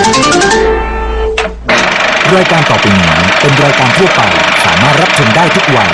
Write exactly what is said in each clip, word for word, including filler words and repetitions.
รายการต่อไปนี้เป็นรายการทั่วไปสามารถรับชมได้ทุกวัย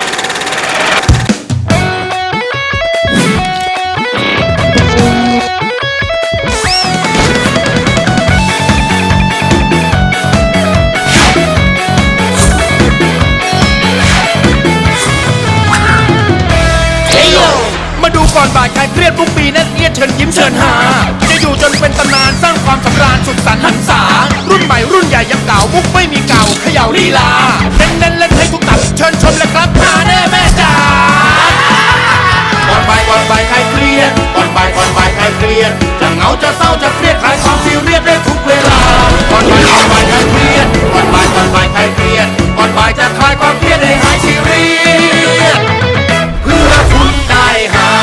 มาดูก่อนบ่ายใครเครียดทุกปีนั่นเอียดเชิญยิ้มเชิญหาจะอยู่จนเป็นตำนานสร้างความสำราญสุดสันต์หันษารุ่นใหม่รุ่นใหญ่ยังเก่ามุกไม่มีเก่าเขย่าลีลาเน้นเน้นเล่นให้ทุกตับเชิญชมเลยครับหาแน่แม่จ๋าก่อนบ่ายก่อนบ่ายใครเครียดก่อนบ่ายก่อนบ่ายใครเครียดจะเหงาจะเศร้าจะเครียดคลายความซีเรียสได้ทุกเวลาก่อนบ่ายก่อนบ่ายใครเครียดก่อนบ่ายก่อนบ่ายใครเครียดก่อนบ่ายจะคลายความเครียดให้หายซีเรียสเพื่อคุณได้หา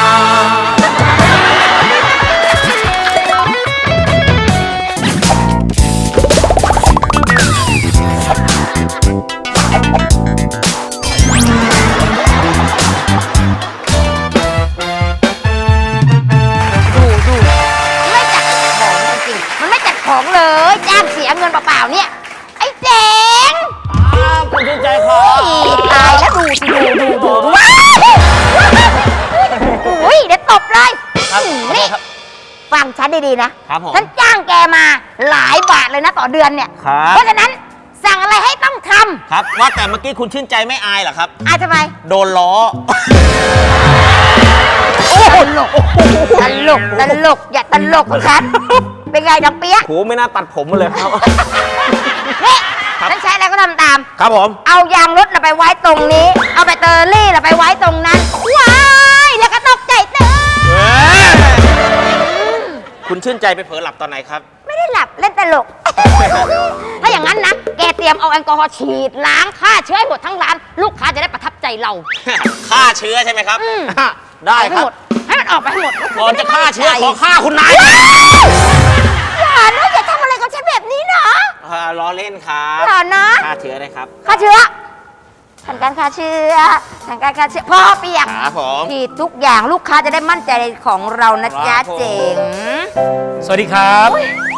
ของเลยจ้างเสียเงินเปล่าๆเนี่ยไอ้เจ๋งคุณชื่นใจขอตายแล้วดูสิดูดูดูดูว้าวอุ้ยเดี๋ยวตบเลยนี่ฟังฉันดีๆนะฉันจ้างแกมาหลายบาทเลยนะต่อเดือนเนี่ยเพราะฉะนั้นสั่งอะไรให้ต้องทำครับว่าแต่เมื่อกี้คุณชื่นใจไม่อายเหรอครับอายทำไมโดนล้อตลกตลกตลกอย่าตลกของฉันเป็นไงดังเปี๊ยกโหไม่น่าตัดผมมาเลยครับนี่ฉันใช้อะไรก็ทำตามครับผมเอายางรถไปไว้ตรงนี้เอาแบตเตอรี่ไปไว้ตรงนั้นว้ายแล้วก็ตกใจเต้นคุณชื่นใจไปเผลอหลับตอนไหนครับไม่ได้หลับเล่นตลกถ้าอย่างนั้นนะแกเตรียมเอาแอลกอฮอล์ฉีดล้างฆ่าเชื้อให้หมดทั้งร้านลูกค้าจะได้ประทับใจเราฆ่าเชื้อใช่ไหมครับได้ครับให้มันออกไปให้หมดก่อนจะฆ่าเชื้อขอฆ่าคุณนายอย่านะอย่าทำอะไรกับฉันแบบนี้นะล้อเล่นครับอย่านะฆ่าเชื้อได้ครับฆ่าเชื้อทางการฆ่าเชื้อทางการฆ่าเชื้อพ่อเปียกครับผมผิดทุกอย่างลูกค้าจะได้มั่นใจในของเรานะจ๊ะเจ๋งสวัสดีครับ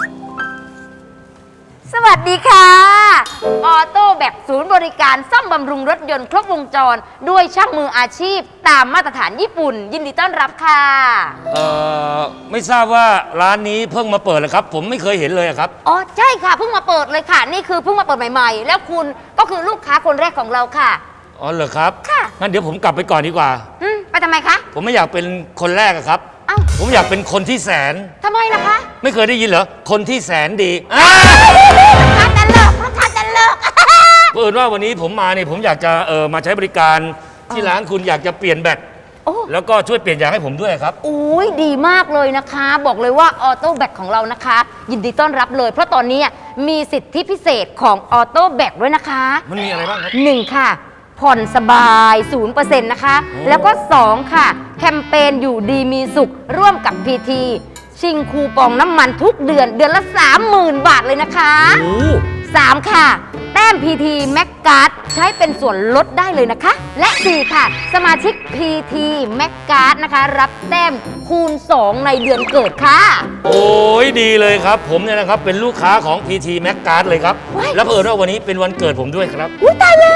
สวัสดีค่ะออโต้แบกศูนย์บริการซ่อมบำรุงรถยนต์ครบวงจรด้วยช่างมืออาชีพตามมาตรฐานญี่ปุ่นยินดีต้อนรับค่ะเอ่อไม่ทราบว่าร้านนี้เพิ่งมาเปิดเลยครับผมไม่เคยเห็นเลยครับอ๋อใช่ค่ะเพิ่งมาเปิดเลยค่ะนี่คือเพิ่งมาเปิดใหม่ๆแล้วคุณก็คือลูกค้าคนแรกของเราค่ะอ๋อเหรอครับค่ะงั้นเดี๋ยวผมกลับไปก่อนดีกว่าอืมไปทำไมคะผมไม่อยากเป็นคนแรกครับผมอยากเป็นคนที่แสนทำไมล่ะคะไม่เคยได้ยินเหรอคนที่แสนดีลูกค้าจะเลิกลูกค้าจะเลิกเพื่อนว่าวันนี้ผมมาเนี่ยผมอยากจะเออมาใช้บริการที่ร้านคุณอยากจะเปลี่ยนแบตแล้วก็ช่วยเปลี่ยนยางให้ผมด้วยครับอุ้ยดีมากเลยนะคะบอกเลยว่าออโต้แบตของเรานะคะยินดีต้อนรับเลยเพราะตอนนี้มีสิทธิพิเศษของออโต้แบตด้วยนะคะมันมีอะไรบ้างครับหนึ่งค่ะผ่อนสบาย ศูนย์เปอร์เซ็นต์ นะคะแล้วก็สองค่ะแคมเปญอยู่ดีมีสุขร่วมกับ พี ที ชิงคูปองน้ำมันทุกเดือนเดือนละ สามหมื่น บาทเลยนะคะสามค่ะแต้ม พี ที Max Card ใช้เป็นส่วนลดได้เลยนะคะและสี่ค่ะสมาชิก พี ที Max Card นะคะรับแต้มคูณสองในเดือนเกิดค่ะโอ้ยดีเลยครับผมเนี่ยนะครับเป็นลูกค้าของ พี ที Max Card เลยครับแล้วเผอิญว่าวันนี้เป็นวันเกิดผมด้วยครับอุ้ยตายเลย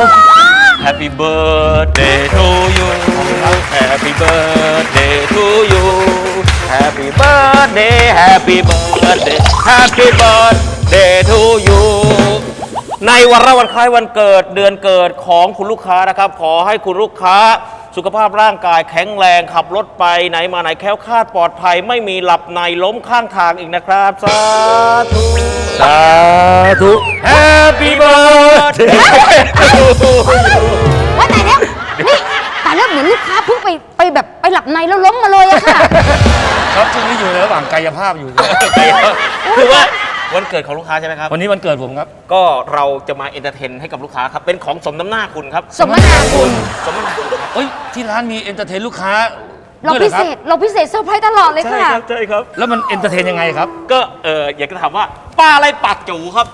Happy birthday to you Happy birthday to you Happy birthday Happy birthday Happy birthday to you ในวันละวันคล้ายวันเกิดเดือนเกิดของคุณลูกค้านะครับขอให้คุณลูกค้าสุขภาพร่างกายแข็งแรงขับรถไปไหนมาไหนแคล้วคลาดปลอดภัยไม่มีหลับในล้มข้างทางอีกนะครับสาธุสาธุ Happy birthday ว่าแต่แล้วนี่แต่แล้วเหมือนลูกค้าเพิ่งไปไปแบบไปหลับในแล้วล้มมาเลยอะค่ะครับช่วงนี้อยู่ในระหว่างกายภาพอยู่คือว่าวันเกิดของลูกค้าใช่ไหมครับวันนี้วันเกิดผมครับก็เราจะมาเอนเตอร์เทนให้กับลูกค้าครับเป็นของสมน้ำหน้าคุณครับสมน้ำหน้าคุณสมน้ำหน้าคุณเฮ้ยที่ร้านมีเอนเตอร์เทนลูกค้าเราพิเศษเราพิเศษเซอร์ไพรส์ตลอดเลยค่ะใช่ครับใช่ครับแล้วมันเอนเตอร์เทนยังไงครับก็เอออยากจะถามว่าปลาอะไรปากจูครับ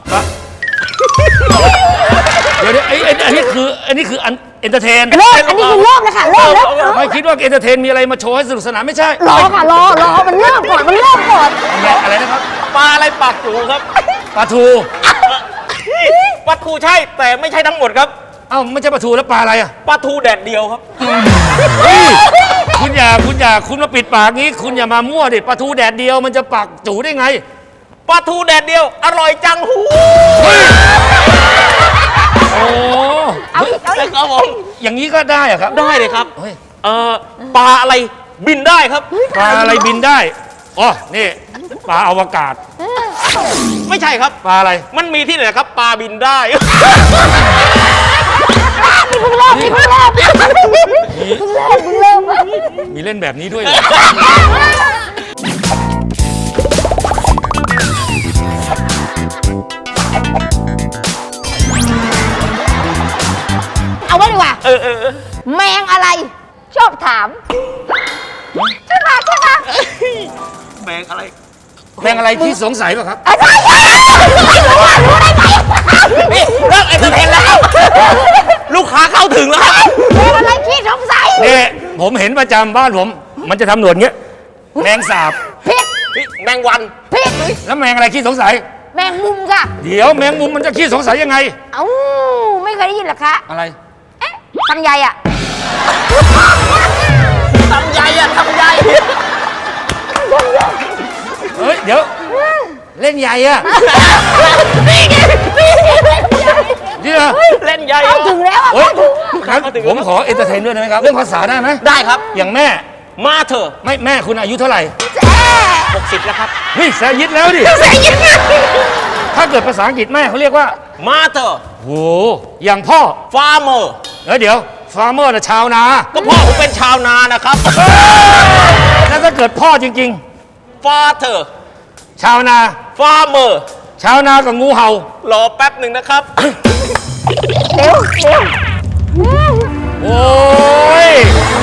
เดี๋ยวไอ้อันนี้คืออันนี้คืออันเอนเตอร์เทนเริ่มอันนี้คือเริ่มนะคะเริ่มแล้วไม่คิดว่าเอนเตอร์เทนมีอะไรมาโชว์ให้สนุกสนานไม่ใช่รอค่ะรอรอมันเริ่มก่อนมันเริ่มก่อนอะไรนะครับปลาอะไรปากจูครับปลาทูปลาทูใช่แต่ไม่ใช่ทั้งหมดครับเอ้าไม่ใช่ปลาทูแล้วปลาอะไรอ่ะปลาทูแดดเดียวครับเฮ้ยคุณอย่าคุณอย่าคุณมาปิดปากงี้ คุณอย่ามามั่วดิปลาทูแดดเดียวมันจะปากจูได้ไงปลาทูแดดเดียว อร่อยจังหูโอ้เอาอีกเอาอีกครับผมอย่างนี้ก็ได้อะครับได้เลยครับเฮ้ยเอ่อปลาอะไรบินได้ครับปลาอะไรบินได้อ๋อนี่ปลาอวกาศไม่ใช่ครับปลาอะไรมันมีที่ไหนครับ ปลาบินได้เพิ่งเริ่มเพิ่งเริ่มเพิ่งเริ่มเพิ่งเริ่มมีเล่นแบบนี้ด้วยเหรอเอาไว้ดีกว่าเออเออเออแมงอะไร ชอบถามใช่ปะใช่ปะแมงอะไรแมงอะไรที่สงสัยป่ะครับอ่ะใช่ใช่รู้ว่ารู้ได้ไงนี่เลิกเอนเตอร์เทนแล้ว ลูกค้าเข้าถึงแล้วครับแมงอะไรขี้สงสัยนี่ผมเห็นประจำบ้านผม มันจะทำหนวดเงี้ย แมงสาบผิดนี่แมงวันผิดแล้วแมงอะไรขี้สงสัยแมงมุมค่ะเดี๋ยวแมงมุมมันจะขี้สงสัยยังไงเอ้าไม่เคยได้ยินเหรอคะอะไรเอ๊ะลำไยอ่ะทำใหญ่อะทำใหญ่เฮ้ย เดี๋ยว เล่นใหญ่อะนี่ไงนี่ไงนี่เหรอเล่นใหญ่เข้าถึงแล้วอ่ะเฮ้ยเข้าถึงงั้นผมขอเอนเตอร์เทนด้วยได้ไหมครับ เรื่องภาษาได้ไหมได้ครับอย่างแม่มาเถอะไม่แม่คุณอายุเท่าไหร่แจ๊หกสิบแล้วครับเฮ้ยแซยิดแล้วดิใส่ยังไงถ้าเกิดภาษาอังกฤษแม่เขาเรียกว่ามาเถอะโห อย่างพ่อฟาร์มเมอร์เฮ้ยเดี๋ยว ฟาร์มเมอร์นะชาวนาก็พ่อผมเป็นชาวนานะครับแล้วถ้าเกิดพ่อจริงฟาเถอะๆ ชาวนาฟาร์มเมอร์ชาวนากับงูเห่ารอแป๊บหนึ่งนะครับเร็วเร็วโอ้ย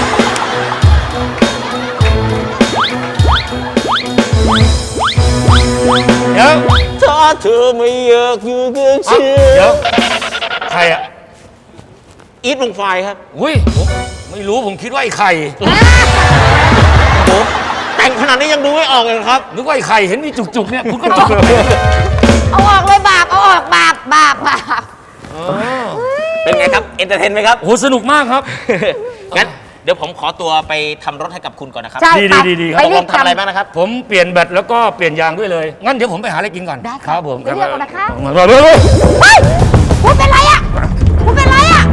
เดี๋ยวถ้าเธอไม่อยากอยู่กับเอ้าฉันเดี๋ยว ใครอ่ะอีทวงไฟครับอุ้ยผมไม่รู้ผมคิดว่าไอ้ไข่โอ้แต่งขนาดนี้ยังดูไม่ออกเลยเหรอครับนึกว่าไอ้ไข่เห็นมีจุกๆเนี่ยคุณก็จุกเอาออกเลยบาปเอาออกบาปบาปบาปเป็นไงครับ เอนเตอร์เทนไหมครับโอ้สนุกมากครับงั้นเดี๋ยวผมขอตัวไปทำรถให้กับคุณก่อนนะครับใช่ดีไปดีดีครับไปตกรีลบงทำอะไรบ้างนะครับผมเปลี่ยนแบตแล้วก็เปลี่ยนยางด้วยเลย งั้นเดี๋ยวผมไปหาอะไรกินก่อนได้คค่ะรับผมไปเรียกเอานะคะมาเร็วเฮ้ยคุณเป็นไรอ่ะคุณเป็นไรอ่ะ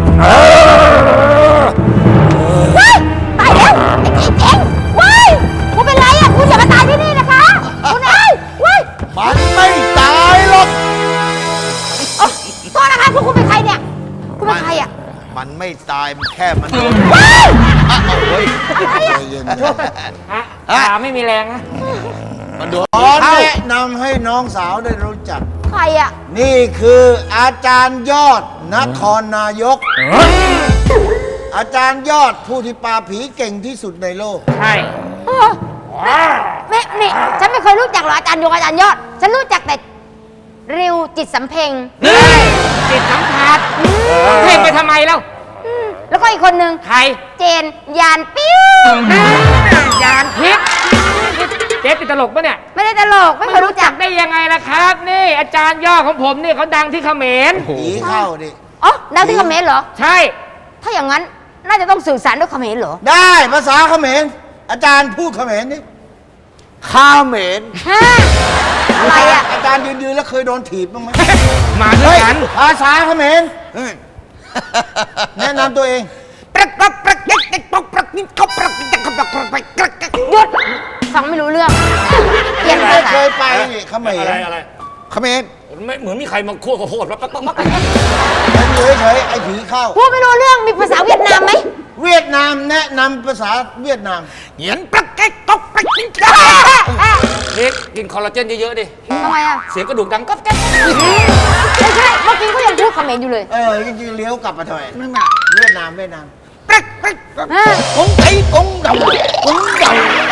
เฮ้ยตายแล้วไอ้จีเจ๋งเว้ยคุณเป็นไรอ่ะคุณอย่ามาตายที่นี่นะคะคุณเอ้ยเว้ยมันไม่ตายหรอกเอ้าโทษนะคะพวกคุณเป็นใครเนี่ยคุณเป็นใครอ่ะมันไม่ตาย มันแค่มันโดนเฮ้ยอ้าวเฮ้ยใจเย็นขาไม่มีแรงนะมันโดนขอแนะนำให้น้องสาวได้รู้จักใครอ่ะนี่คืออาจารย์ยอดนครนายก อาจารย์ยอดผู้ที่ปราบผีเก่งที่สุดในโลกใช่เออแม่นี่ฉันไม่เคยรู้จักหรอกอาจารย์ยงอาจารย์ยอด ฉันรู้จักแต่ริวจิตสำเพ็งจิตสัมผัสเพลงไปทำไมแล้วอืมแล้วก็อีกคนนึงใครเจนยานปิ้วยานทิพย์เจ๊ติดตลกปะเนี่ยไม่ได้ตลกไม่เคยรู้จักได้ยังไงล่ะครับ นี่อาจารย์ย่อของผมนี่เขาดังที่เขมรผีเข้าดิอ๋อดังที่เขมรเหรอใช่ถ้าอย่างนั้นน่าจะต้องสื่อสารด้วยเขมรเหรอได้ภาษาเขมร อาจารย์พูดเขมรนี่ข้าเหมรฮะอะไรอ่ะอาจารย์ยืนๆแล้วเคยโดนถีบบ้างไหมมาด้วยเฮ้ยกันภาษาเขมรเฮ้ยแนะนำตัวเองหยุดฟังไม่รู้เรื่องเปลี่ยนภาไม่ษาเคยไปนี่เขมอะไรรอะไรเขมรไม่เหมือนมีใครมาคั่วข้าวโพดปั๊บปั๊บปั๊บปั๊บมันอยู่เฉยๆไอ้ผีเข้าพูดไม่รู้เรื่องมีภาษาเวียดนามไหมเวียดนามแนะนำภาษาเวียดนามเหยียนปั๊บแก๊กก๊อกแป๊กกินจ้าเด็กกินคอลลาเจนเยอะๆดิทำไมอ่ะเสียงกระดูกดังก๊อบแก๊กไม่ใช่เมื่อกี้เขายังพูดเขมรอยู่เลยเออจริงๆเลี้ยวกลับมาทำไมนั่นน่ะเวียดนามเวียดนามฮะกงไอ้กงดำกงด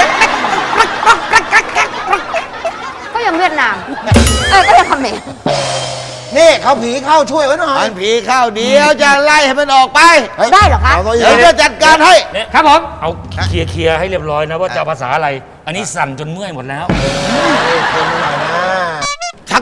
ก็ยังเวียดนาม เออ ก็ยังเขมรำนี่เขาผีเข้าช่วยไว้หน่อยมันผีเข้าเดียวจะไล่ให้มันออกไปได้เหรอคะเดี๋ยวจะจัดการให้ครับผมเอาเคลียร์เคลียร์ให้เรียบร้อยนะว่าจะเอาภาษาอะไร อันนี้สั่นจนเมื่อยหมดแล้วคนหน่อยนะ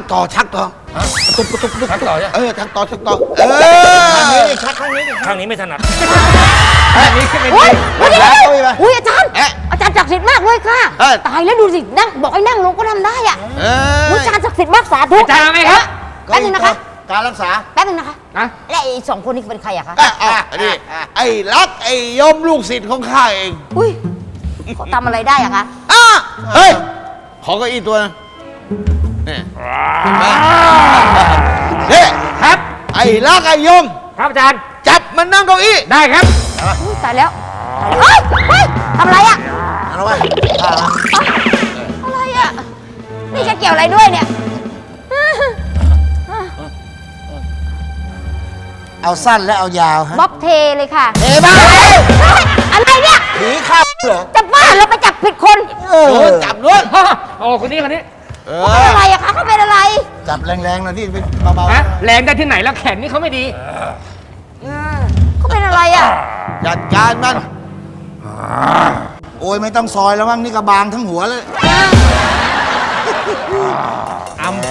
ต่อชักต่อตุ๊บตุ๊บตุ๊บตุ๊บชักต่อเนี่ยเออชักต่อชักต่อเออข้างนี้ดิชักข้างนี้ดิข้างนี้ไม่ถนัดอันนี้ขึ้นเป็นอุ้ยจริงเดี๋ยวแล้วเดี๋ยวเอาอีกไหมอุ้ยอาจารย์เอ๊ะอาจารย์ศักดิ์สิทธิ์มากเลยค่ะเอ้ยตายแล้วดูสินั่งบอกให้นั่งลงก็ทำได้อ่ะเออุ๊ยอาจารย์ศักดิ์สิทธิ์มากสาธุอาจารย์เอาไหมครับแป๊บนึงนะคะการรักษาแป๊บนึงนะคะนะและไอ้สองคนนี้เป็นใครอะคะอ่ะอ่ะนี่ไอ้รักไอ้ยมลูกศิษย์ของข้าเองอุ้ยเขาทำอะไรได้อะคะอ่ะเฮ้ยขอเก้าอี้ตัวนึงนี่นี่ครับไอ้รักไอ้ยมครับอาจารย์จับมันนั่งเก้าอี้ได้ครับอุ้ยตายแล้วเฮ้ยเฮ้ยทำอะไรอะเอาไว้อะไรอะนี่จะเกี่ยวอะไรด้วยเนี่ยเอาสั้นและเอายาวฮะบ๊อบเทเลยค่ะเทบ้าอะไรเนี่ยผีเข้าเหรอจะบ้าแล้วไปจับผิดคนเออจับด้วยโอ้คนนี้คนนี้เอเขาเป็นอะไรอะคะเขาเป็นอะไรจับแรงๆหน่อยที่เป็นเบาฮะแรงได้ที่ไหนแล้วแขนนี่เขาไม่ดีเขาเป็นอะไรอะๆจัดการมัน โอ้ยไม่ต้องซอยแล้วมั้งนี่กระบางทั้งหัวเลยอำ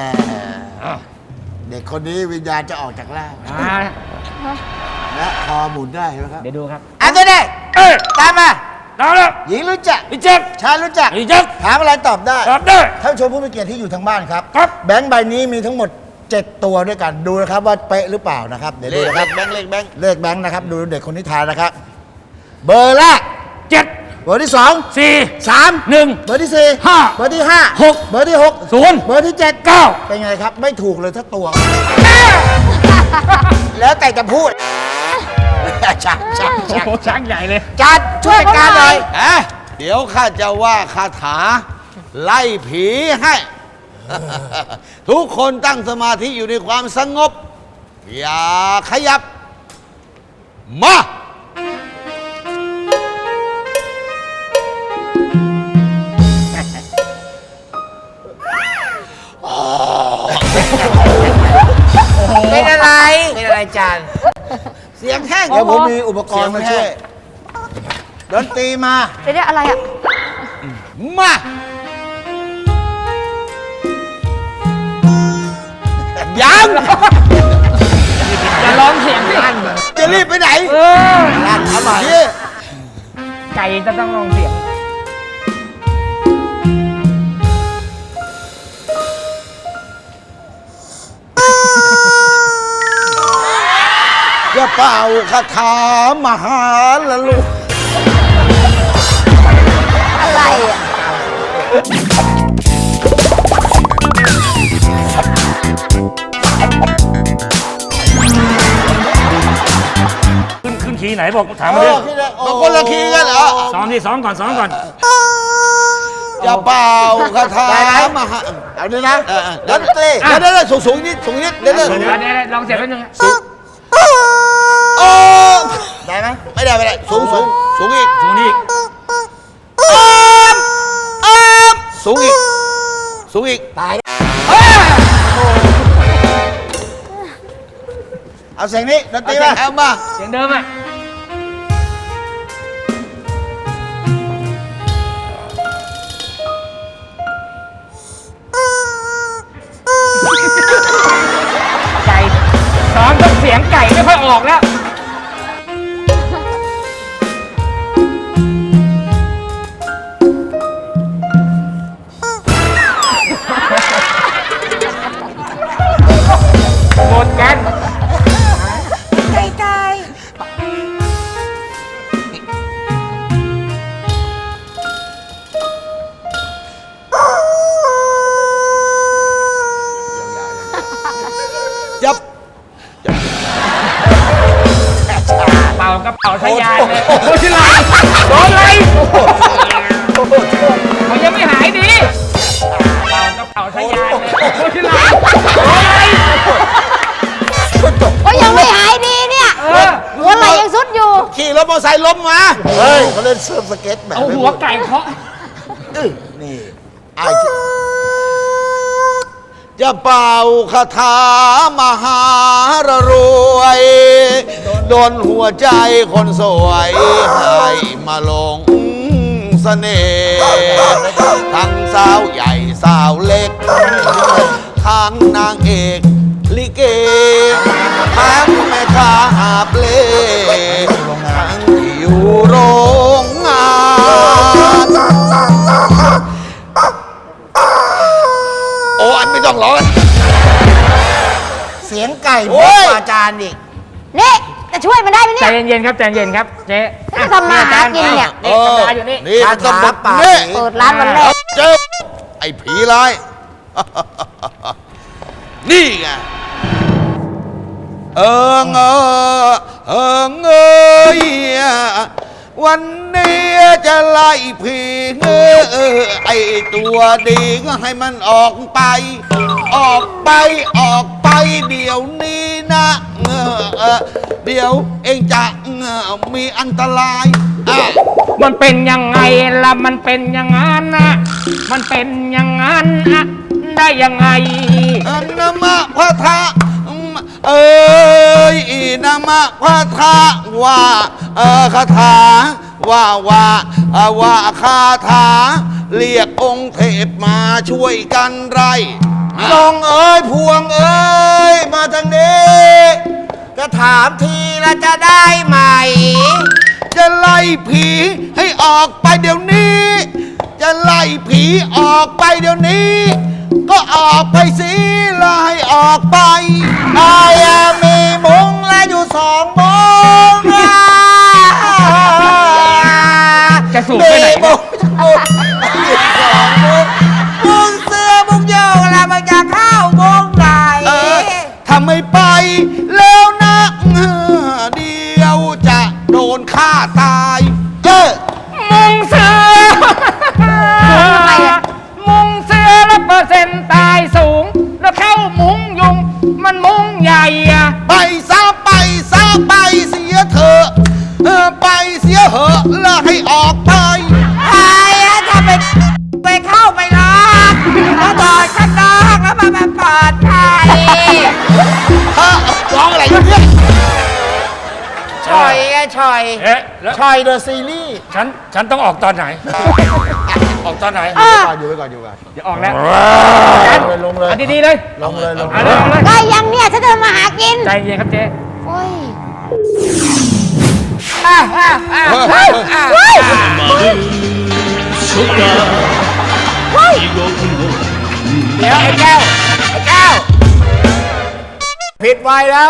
เด็กคนนี้วิญญาณจะออกจากร่างอ่าและคอหมุนได้เห็นไหมครับเดี๋ยวดูครับอันนี้ได้เอ้ยตามมาเอาละหญิงรู้จักพี่แจ็คชายรู้จักพี่แจ็คถามอะไรตอบได้ตอบได้ท่านผู้ชมผู้มีเกียรติที่อยู่ทางบ้านครับครับแบงค์ใบนี้มีทั้งหมด เจ็ด ตัวด้วยกันดูนะครับว่าเป๊ะหรือเปล่านะครับเดี๋ยวดูนะครับแบงค์เลขแบงค์เลขแบงค์นะครับดูเด็กคนนี้ทายนะครับ เบอร์แรกเจ็ดเบอร์ที่สองสี่สามหนึ่งเบอร์ที่สี่ห้าเบอร์ที่ห้าหกเบอร์ที่หกศูนย์เบอร์ที่เจ็ดเก้าเป็นไงครับ ไม่ถูกเลยถ้าตัว แล้วแต่จะพูดชักชักชักโอ้ช้างใหญ่เลยจัดช่วยการหน่อยอ่ะเดี๋ยวข้าจะว่าคาถา ไล่ผีให้ ทุกคนตั้งสมาธิอยู่ในความสงบ อย่าขยับ มา เป็นอะไร เป็นอะไรจานเสียงแห้งเดี๋ยวผมมีอุปกรณ์มาช่วยดนตรีมาเดี๋ยวๆอะไรอะมา ยังอย่าร้องเสียงสิจะรีบไปไหนเออลั่นทำไมไก่จะต้องร้องเสียงจะเป่าคาถามหาละลูกอะไรอะขึ้นขึ้นขี่ไหนบอกถามเอมาดิอที่ไหนบางคนละคีกันเหรอซ้อมดิซ้อมก่อนซ้อมก่อนจะเป่าคาถามหาเอาเลยนะดนตรีเดี๋ยวเดี๋ยวสูงสูงนิดสูงนิดเดี๋ยวเดี๋ยวเดี๋ยวเดี๋ยวลองเสียงแป๊บนึงโอ้ได้ไหมไม่ได้ไม่ได้สูงสูงสูงอีกสูงนี่สูงอีก สูงอีก ตาย เอาเสียงนี้ดนตรีมาเอามาเสียงเดิมอ่ะ ไก่ซ้อมต้องเสียงไก่ไม่ค่อยออกแล้ว หมดกันยับเป่ากระเป๋าทะยานเลยโอ้ชิลาโดนอะไรเขายังไม่หายดีเป่ากระเป๋าทะยานเลยโอ้ชิลาโดนอะไรก็ยังไม่หายดีเนี่ยเออหัวไหล่ยังสุดอยู่ขี่รถมอเตอร์ไซค์ล้มมา เฮ้ยเขาเล่นเซิร์ฟสเก็ตแบบเอาหัวไก่เคาะนี่ไอ้ที่จะเป่าคาถามหารรวยโดนหัวใจคนสวยให้มาลงเสน่ห์ทั้งสาวใหญ่สาวเล็ก ถ้าทั้งนางเอกลิเกทั้งแม่ค้าหาบเล่ทั้งที่อยู่โรงงาน โอ้อันไม่ต้องร้องเสียงไก่โอ้บอกยอาจารย์อีกนี่จะช่วยมันได้ไหมใจเนี่ยเย็นๆครับใจเย็นครับเจ๊จะทำมาหากินเนี่ยเอนี่อตำราอยู่นี่นี่มันต้องคาแบถาบปากนี้ผีเปิดร้านวันแรกเจอไอ้ผีร้าย นี่ไง เอิงเออเอิงเอยวันนี้จะไล่ผีเงอไอตัวดีก็ให้มันออกไป ออกไปออกไปเดี๋ยวนี้นะเออเออเดี๋ยวเองจะเออมีอันตรายอ่ะมันเป็นยังไงล่ะมันเป็นอย่างนั้นนะมันเป็นอย่างนั้นนะได้ยังไงอันนามะพระทะเอ้ยอีนามะพระทะว่าเออคาถาว่าว่าเอ่อว่าคาถาเรียกองค์เทพมาช่วยกันไรน้องเอ้ยพวงเอ้ยมาทางนี้จะถามทีละจะได้ไหมจะไล่ผีให้ออกไปเดี๋ยวนี้ จะไล่ผีออกไปเดี๋ยวนี้ ก็ออกไปสิไล่ออกไปไอ้อะมีมุงและอยู่สองมุงอ่ะจะสูบไปไหนมีมุงมุงอยู่สองมุงมุงเสื้อมุงโยกแล้วมันจะเข้ามุงไหนเออทำไม่ไปแล้วนะเออเดี๋ยวจะโดนฆ่าตายเออมุงเสือทำไมอะมุงเสือแล้วเปอร์เซ็นต์ตายสูง แล้วเข้ามุงยุง มันมุงใหญ่อะไปซะไปซะไปเสียเถอะเออไปเสียเหอะแล้วให้ออกไปไอ้อะถ้าไปไปเข้าไปล็อกแล้วบอดข้างนอกแล้วมันมันปลอดภัยฮะร้องอะไรอยู่เนี่ยชอยไงชอยเอ๊ะแล้วชอยเดอะซีรีส์ฉันฉันต้องออกตอนไหน ออกตอนไหนอยู่ไว้ก่อนอยู่ไว้ก่อนเดี๋ยวออกแล้วลงเลยเอาดีๆเลยลงเลยลงเอาเลยเอาเลยได้ยังเนี่ยฉันจะมาหากินใจเย็นครับเจ๊โอ้ยเดี๋ยวไอ้แก้วไอ้แก้วผิดไวแล้ว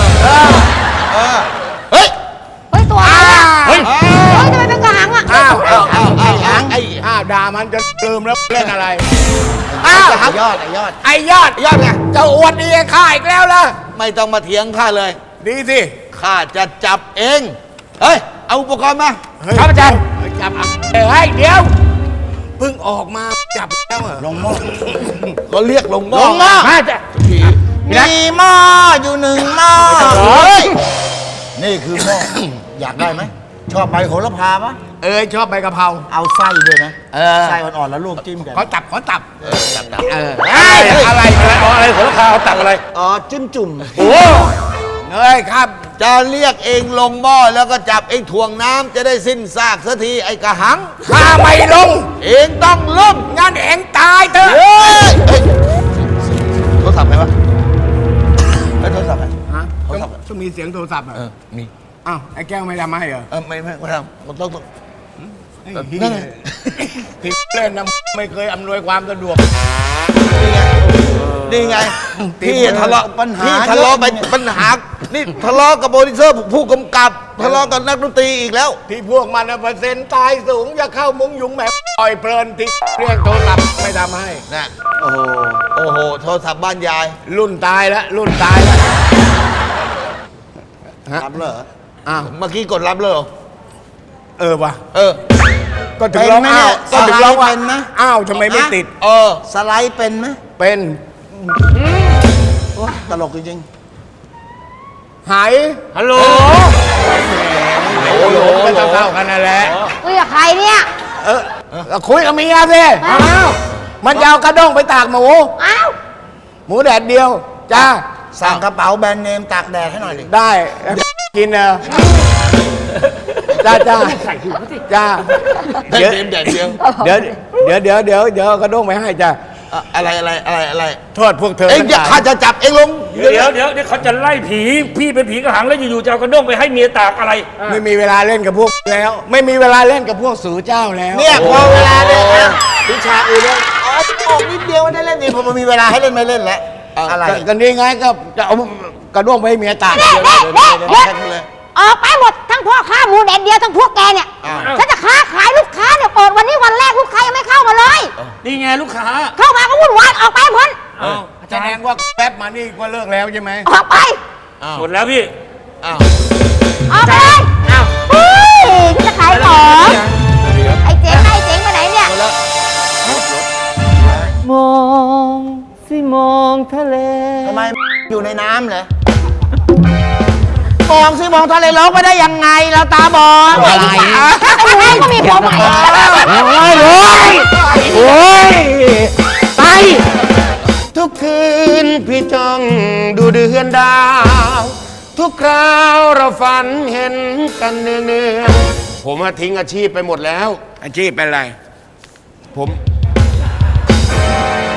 เฮ้ยเฮ้ยตัวอะไรอะเฮ้ยเฮ้ยทำไมเป็นกระหังอ่ะอ้าวอ้าวอ้าวไอ้หางไอ้อ้าวด่ามันจะลืมแล้วเล่นอะไรอ้าวไอ้ยอดไอ้ยอดไอ้ยอดยอดไงเจ้าอวดดีข้าอีกแล้วล่ะไม่ต้องมาเถียงข้าเลยดีสิข้าจะจับเอง เฮ้ย เอาอุปกรณ์มาครับอาจารย์จับเฮ้ยเดี๋ยวเพิ่งออกมาจับแล้วเหรอลงหม้อเขาเรียกลงหม้อลงหม้อมาจะมีหม้ออยู่หนึ่งหม้อเฮ้ยนี่คือหม้อ อยากได้ไหม ชอบใบโหระพาปะเอ้ยชอบใบกะเพราเอาไส้ด้วยนะเออไส้อ่อนๆแล้วลวกจิ้มกันขอตับขอตับเออเอออะไรอะไรเอาอะไรหัวราคาเอาตักอะไรอ๋อ จิ้มจุ่มโอ้เอ้ยครับจะเรียกเองลงหม้อแล้วก็จับเองถ่วงน้ำจะได้สิ้นซากสักทีไอ้กระหังข้าไม่ลงเองต้องลงงั้นเอ็งตายเถอะเฮ้ยเฮ้ยโทรศัพท์ใครวะเฮ้ยโทรศัพท์ใครฮะโทรศัพท์ต้องมีเสียงโทรศัพท์เหรอเออ มีอ้าวไอ้แก้วไม่ทำให้เหรอเออไม่ไม่ไม่ทำมันต้องต้องไอ้นั่ที่นไงที่เล่นนะไม่เคยอำนวยความสะดวกนี่ไง พี่ทะเลาะปัญหาพี่ทะเลาะเยอะไปปัญหา นี่ทะเลาะกับโปรดิวเซอร์ผู้กำกับทะเลาะกับนักดนตรีอีกแล้วที่พวกมันน่ะเปอร์เซ็นต์ตายสูงอย่าเข้ามุ้งยุงแหมปล่อยเพลินที่เรียกโทรศัพท์ไม่ทำให้นะโอ้โห โอ้โห โทรศัพท์บ้านยายรุ่นตายแล้วรุ่นตายแล้วรับเหรออ้าวเมื่อกี้กดรับเลยเหรอเออวะเออก็ถึงร้องเป็นไหมเนี่อ้าวย ก็ถึงร้องว่าเป็นไหมอ้าวทำไมไม่ติดเออสไลด์เป็นไหมเป็นโอ้ตลกจริงหายฮัลโหลโอ้โหก็เท่าๆกันนั่นแหละคุยกับใครเนี่ยเออก็คุยกับเมียสิอ้าวมันจะเอากระด้งไปตากหมูอ้าวหมูแดดเดียว จ้าๆ สั่งกระเป๋าแบรนด์เนมตากแดดให้หน่อยดิได้กินเนอะจ้าจ้าจ้าได้เดี๋ยวเต็มแดดเดียวเดี๋ยวเดี๋ยวเดี๋ยวเดี๋ยวเดี๋ยวเอากระด้งไปให้จ้าอ่ะอะไรอะไรอะไรอะไรโทษพวกเธอเอ็งจะทั้งหลายข้าจะจับเอ็งลงเดี๋ยวเดี๋ยวเดี๋ยวเขาจะไล่ผี พี่เป็นผีกระหังแล้วอยู่ๆจะเอากระด้งไปให้เมียตากอะไรไม่มีเวลาเล่นกับพวกแล้ว ไม่มีเวลาเล่นกับพวกสูเจ้าแล้วเนี่ยพอเวลาเนี่ยนะวิชาอื่นเนี่ยอ๋อออกนิดเดียวได้เล่นนี่พอมันมีเวลาให้เล่นไม่เล่นแล้วอะไรก็ก็นี่ไงก็จะเอากระด้วงไปให้เมียตากเด็กเด็กเด็กเดี๋ยวเด็กแค่นี้เลยออกไปหมดทั้งพ่อค้าหมูแดดเดียวทั้งพวกแกเนี่ยอ้าวฉันจะค้าขายลูกค้าเนี่ยเปิดวันนี้วันแรกลูกค้ายังไม่เข้ามาเลยนี่ไงลูกค้าเข้ามาก็วุ่นวายออกไปพ้นอ้าวแสดงว่าแป๊บมานี่ก็เลิกแล้วใช่ไหมออกไปหมดแล้วพี่อ้าวออกไปเลยอ้าวเฮ้ยฉันจะขายของไอ้เจ๋งไอ้เจ๋งไปไหนเนี่ยมองสิมองทะเลทำไมอยู่ในน้ำเหรอมองสิมองทะเลร้องไม่ได้ยังไงเราตาบอดอะไรไอ้หนูก็มีผัวใหม่แล้วโอ้ยโอ้ยโอ้ยไปทุกคืนพี่จ้องดูเดือนดาว ทุกคราวเราฝันเห็นกันเนืองเนืองๆผมมาทิ้งอาชีพไปหมดแล้วอาชีพเป็นไรผม